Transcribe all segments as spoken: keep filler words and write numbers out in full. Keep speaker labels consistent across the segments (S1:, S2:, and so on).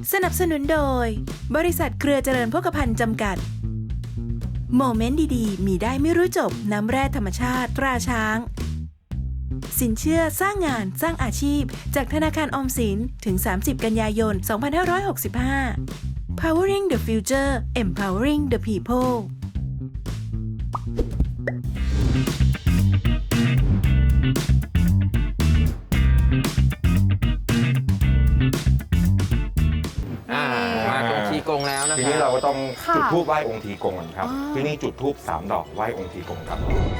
S1: สนับสนุนโดยบริษัทเครือเจริญโภคภัณฑ์จำกัดโมเมนต์ดีๆมีได้ไม่รู้จบน้ำแร่ธรรมชาติตราช้างสินเชื่อสร้างงานสร้างอาชีพจากธนาคารออมสินถึงสามสิบกันยายนสองพันห้าร้อยหกสิบห้า Powering the Future Empowering the People
S2: มาตรงทีกงแล้วนะ
S3: ที
S2: ค
S3: นี้
S2: รับ
S3: เราก็ต้อง
S4: ค่ะ
S3: จุดธูปไหว้องค์ทีกงก่อนครับ
S4: อ๋อ
S3: ที่นี่จุดธูปสามดอกไหว้องค์ทีกงครับ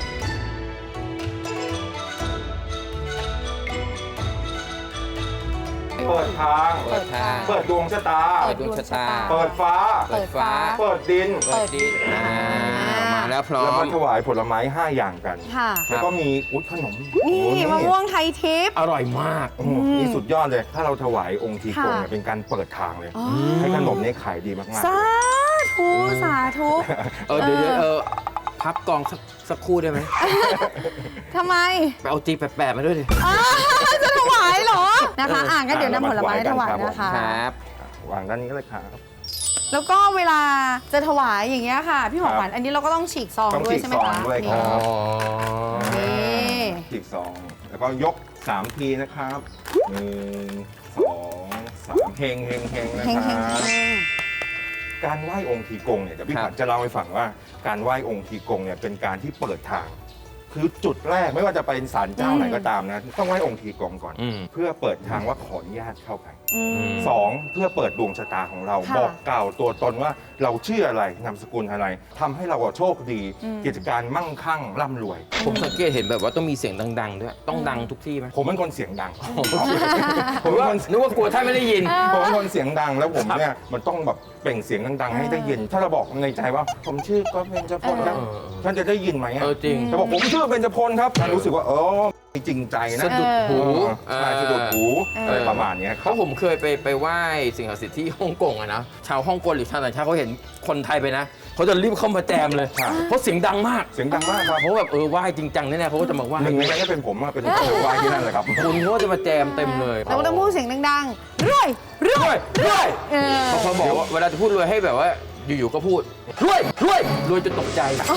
S3: เปิดทาง
S2: เปิดทาง
S3: เปิดดวงชะตา
S2: เปิดดวงชะตา
S3: เปิดฟ้า
S2: เปิดฟ้า
S3: เปิดดิน
S2: เปิดดินอ่ามาแล้วพร้อ
S3: แล้ว
S2: ม
S3: ก็ถวายผลไม้ห้าอย่างกัน
S4: ค่ะ
S3: แล้วก็มีอุ้ยขนม
S4: นี่
S3: โอ้
S4: มะม่วงไทยทิพย์
S2: อร่อยมาก
S3: โอ้โหนี่สุดยอดเลย ถ้าเราถวายองค์ทีกง
S4: ค่ะ
S3: เนี่ยเป็นการเปิดทางเลย
S4: อ๋อ
S3: ให้ขนมนี้ขายดีมากๆ
S4: สาธุสาธุ
S2: เออเดี๋ยวเดี๋ยวเออพับกองสักสักครู่ได้ไหม
S4: ทำไม
S2: ไปเอาจีแปะๆมาด้วยดิ
S4: อ้าวจะถวายเหรอนะคะ
S2: เอออ่
S4: อ่านก็เดี๋ยวนำผลไม้ถวายนะคะ
S2: ครับ
S3: วางด้านนี้เลยครับ
S4: แล้วก็เวลาจะถวายอย่างเงี้ยค่ะ พี่หมอขวัญอันนี้เราก็ต้องฉีกซอง
S3: ต้อง
S4: ด้วย
S3: ฉีก
S4: ใช่ไหม
S3: ซอง
S4: คะ
S3: ด้วยค
S4: นี่
S3: รับ
S4: นี่
S3: ฉีกซองแล้วก็ยกสามทีนะครับหนึ่งสองสามเฮงเฮงเฮงนะ
S4: เฮง
S3: ค
S4: เฮง
S3: รับ
S4: เฮง
S3: การไหว้องค์ทีกงเนี่ยเดี๋ยวพี่ขวัญจะเล่าให้ฟังว่าการไหว้องค์ทีกงเนี่ยเป็นการที่เปิดทาง คือจุดแรกไม่ว่าจะเป็นศาลเจ้าไหนก็ตามนะต้องไหว้องค์ทีกงก่อน
S2: อืม
S3: เพื่อเปิดทางว่าขออนุญาตเข้าไป
S4: อืม
S3: สองเพื่อเปิดดวงชะตาของเรา
S4: ค่ะ
S3: บอกกล่าวตัวตนว่าเราชื่ออะไรนามสกุลอะไรทำให้เราโชคดี
S4: อืม
S3: กิจการมั่งคั่งร่ำรวย
S2: ผมสังเกตเห็นแบบว่าต้องมีเสียงดัง ๆ ด้วย ต้องดังทุกที่ไหม
S3: ผมเป็นคนเสียงดัง ผม
S2: นึ
S3: เป็น
S2: กว่า
S3: คน
S2: นึกว่ากลัวท่านไม่ได้ยิน
S3: ผมเป็นคนเสียงดังแล้วผมเนี่ยมันต้องแบบเปล่งเสียงดังๆให้ได้ยิน ถ้าเราบอกในใจว่าผมชื่อก็เบญจพลนะ
S2: เออ
S3: ท่านจะได้ยินไหมอะ
S2: เออจริง
S3: แต่บอกผมชื่อเบญจพลครับท่านรู้สึกว่าเออจริงใจนะ
S2: สะดุดหู
S3: ใช่สะดุดหูอะไรประมาณเนี้ยค
S2: เพ
S3: รับ
S2: ราะผมเคยไปไปไหว้สิ่งศักดิ์สิทธิ์ที่ฮ่องกงอะนะ ชาวฮ่องกงหรือชาวต่างชาติเขาเห็นคนไทยไปนะเขาจะรีบเข้ามาแจมเลย
S3: ใช่
S2: เพราะเสียงดังมาก
S3: เสียงดังมากครับ
S2: เพราะแบบเออไหว้จริงจังแน่ๆเขาก็จะมาไหว้
S3: หนึ่งในนั้นก็เป็นผมอะเป็นคนไหว้ที่นั่นเลยครับ
S2: คนเขาก็จะมาแจมเต็มเลย
S4: เราก็ต้องพูดเสียงดังๆรวยร
S2: ร
S4: ว
S2: วย ยรวย
S4: เออ
S2: บางคนบอกว่าเวลาจะพูดรวยให้แบบว่าอยู่ๆก็พูดรวยรวยรวยจนตกใจ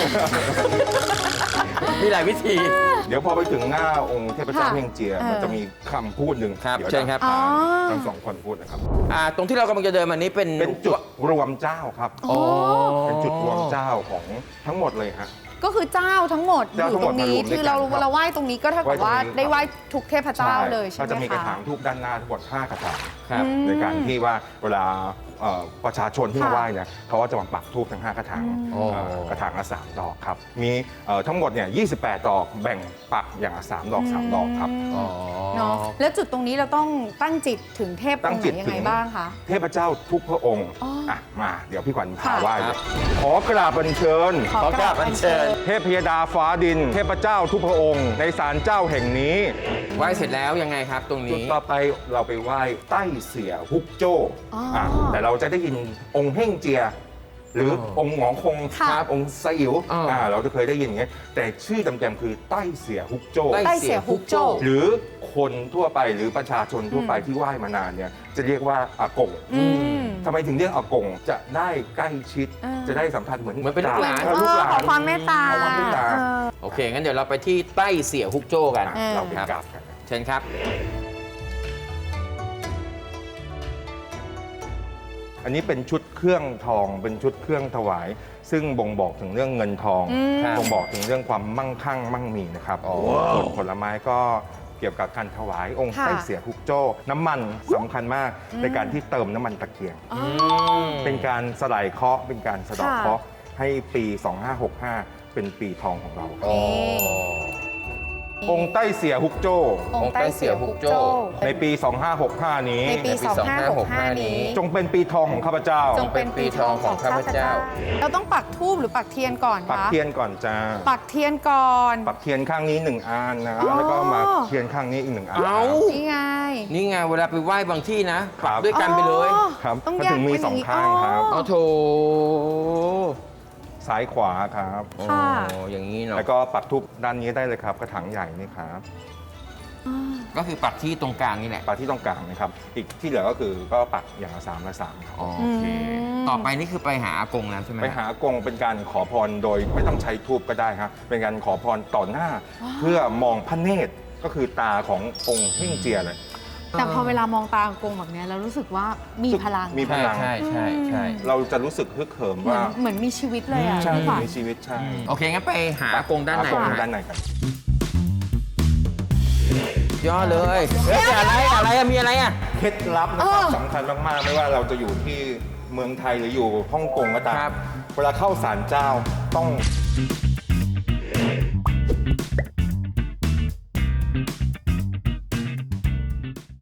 S2: มีหลายวิธี
S3: เดี๋ยวพอไปถึงหน้าองค์เทพเจ้า
S4: ค่ะ
S3: เฮงเจีย
S4: เออ
S3: มันจะมีคำพูดหนึ่ง
S2: ครับ
S3: เดี๋ยว
S2: เชิญครับ
S3: จะ
S4: อ๋อ
S3: ทั้งสองคนพูดนะครับ
S2: อ่าตรงที่เรากำลังจะเดินมานี้เป็น
S3: เป็นจุดรวมเจ้าครับ
S2: อ๋อ
S3: เป็นจุดรวมเจ้าของทั้งหมดเลยฮะ
S4: ก็คือเจ้าทั้งหมดอ
S3: เจ้าทั้
S4: ยู่
S3: งห
S4: ต
S3: ม
S4: ร
S3: ด
S4: งนี้
S3: มารวมด้วยกัน
S4: คือเรา
S3: ครับ
S4: เราไหว้ตรงนี้ก็เท่ากับว่า
S3: ไหว้ตรงนี้
S4: ได้ไหว้ทุกเทพเจ้าเลยใช่ไหม
S3: ก็จะมีกระถาง
S4: คะ
S3: ทูบด้านหน้าทั้งหมดห้ากระถาง
S2: ครับ
S4: อืม
S3: ในการที่ว่าเวลาเอ่อประชาชนที่มา
S4: ค่ะ
S3: ไหว้เนี่ยเขาก็จะมาปักทูบทั้งห้ากระถาง
S2: อ๋อ
S3: เอ่อกระถางละสามดอกครับมีเอ่อทั้งหมดเนี่ยยี่สิบแปดดอกแบ่งปักอย่างละสามดอกสามดอกครับ
S2: อ๋อ
S4: เนาะแล้วจุดตรงนี้เราต้องตั้งจิตถึงเทพ
S3: ตั้
S4: อง
S3: ง
S4: ค์
S3: จิ
S4: ไหน
S3: ต
S4: ยัง
S3: ถึ
S4: ไง
S3: ง
S4: บ้างคะ
S3: เทพเจ้าทุกพระองค์
S4: อ๋ออ่
S3: อ่ะมาเดี๋ยวพี่ขวัญพา
S4: ค่ะ
S3: ไหว้
S2: ค
S3: เล
S2: รับ
S3: ยขอกราบบัญเชิญ
S2: ขอกราบอัญเชิญ
S3: เทพพยดาฟ้าดิน เทพเจ้าทุกพระองค์ ในศาลเจ้าแห่งนี้
S2: ไหว้เสร็จแล้วยังไงครับตรง
S3: จุด
S2: นี้
S3: ต่อไปเราไปไหว้ใต้เสียฮุกโจ้
S4: อ๋ออ่
S3: ะแต่เราจะได้ยินองค์เฮ่งเจีย หรือ
S2: อ๋อ
S3: องค์หงอคง
S4: ค่ะ
S3: ครับองค์ไซอิ๋ว
S2: อ๋ออ่
S3: ะเราจะเคยได้ยินอย่างเงี้ยแต่ชื่อเต็มๆคือใต้เสียฮุกโจ้
S2: ใต้
S4: ใต้เสียฮุกโจ้
S3: หรือคนทั่วไปหรือประชาชนทั่วไป
S4: อืม
S3: ที่ไหว้มานานเนี่ยจะเรียกว่าอากง
S4: อืม
S3: ทำไมถึงเรียกอากงจะได้ใกล้ชิด
S4: อ่า
S3: จะได้สัมผัสเหมือน
S2: เหมือนเป็นลูกหลาน
S3: เออลูกหลาน
S4: ขอความเมตตา
S3: ขอความเมตตา
S4: เออ
S2: โอเค งั้นเดี๋ยวเราไปที่ใต้เสี่ยฮุกโจ้กัน
S3: อ่ะ
S4: เออ
S3: เราไป
S2: ครับ
S3: กราบกัน
S2: เชิญครับ
S3: อันนี้เป็นชุดเครื่องทองเป็นชุดเครื่องถวาย ซึ่งบ่งบอกถึงเรื่องเงินทอง
S4: อืม
S2: ครับ
S3: บ่งบอกถึงเรื่องความมั่งคั่งมั่งมีนะครับ
S2: อ๋อ
S3: ส่วนผลไม้ก็เกี่ยวกับการถวายองค์
S4: ค่ะ
S3: ไต้เสียฮุกโจ้ น้ำมันสำคัญมาก
S4: อืม
S3: ในการที่เติมน้ำมันตะเกียง
S4: อ๋อ
S2: ม
S3: เป็นการสลายเคราะห์เป็นการสะเดอก
S4: ค่ะ
S3: เคราะห์ให้ปี สองห้าหกห้า เป็นปีทองของเราครับ
S2: อ๋อ
S3: องค์ไต้เสียฮุกโจ้
S4: องค์ใต้เสียฮุกโจ้
S3: ในปี สองห้าหกห้า นี้
S4: ในปี
S2: ในปี
S4: สองห้าหกห้า
S2: นี้
S4: นี้
S3: จงเป็นปีทองของข้าพเจ้า
S4: จงเป็นปีทองของข้าพเจ้า เราต้องปักธูปหรือปักเทียนก่อน
S3: ปัก
S4: คะ
S3: เทียนก่อนจ้า
S4: ปักเทียนก่อน
S3: ปักเทียนข้างนี้หนึ่งอันนะ
S4: อ๋อ
S3: แล้วก็มาเทียนข้างนี้อีกหนึ่งอัน
S2: เอ้า
S4: นี่ไง
S2: นี่ไงเวลาไปไหว้บางที่นะ
S3: ครั
S2: ปั
S3: บ
S2: กด้วยกันไปเลย
S4: อ๋อ
S3: ครับ
S4: ต้อง
S3: มัน
S4: แยก
S3: ถึงมี
S4: เป็น
S3: สอง
S4: ย่
S3: ข้างครับ
S2: เอาโถ
S3: ซ้ายขวาครับ
S4: ค่ะ
S2: โอ้อย่างนี้เนาะ
S3: แล้วก็ปักทุบด้านนี้ได้เลยครับ กระถางใหญ่นี่ครับ
S4: อ๋อ
S2: ก็คือปักที่ตรงกลางนี่แหละ
S3: ปักที่ตรงกลางนะครับอีกที่เหลือก็คือก็ปักอย่างละสามละสามครับ
S2: อ๋อโอเค ต่อไปนี่คือไปหาอากงแล้วใช่ไหม
S3: ไปหาอากงเป็นการขอพรโดยไม่ต้องใช้ธูปก็ได้ครับเป็นการขอพรต่อหน้า เพื่อมองพระเนตรก็คือตาขององค์เฮ่งเจียเลย
S4: แต่พอเวลามองตาอากงแบบเนี้ยเรารู้สึกว่ามีพลัง
S3: มี พลัง
S2: ใช่ใช่ใช่
S3: เราจะรู้สึกฮึกเหิม
S4: เหมือ
S3: ว่า
S4: นเหมือนมีชีวิตเลยอ่ะ
S3: ใช่
S4: พี่ขวัญ
S3: มีชีวิตใช่
S2: โอเค งั้นไปหาอากงด้านใน
S3: อากง
S2: นะ
S3: ด้านในกัน
S2: ย่อเลยเฮ้ยอะไรอะไรอะมีอะไรอะ
S3: เคล็ดลับนะครับสำคัญมาก ๆ ไม่ว่าเราจะอยู่ที่เมืองไทยหรืออยู่ฮ่องกงก็ตาม
S2: ครับ
S3: เวลาเข้าศาลเจ้าต้อง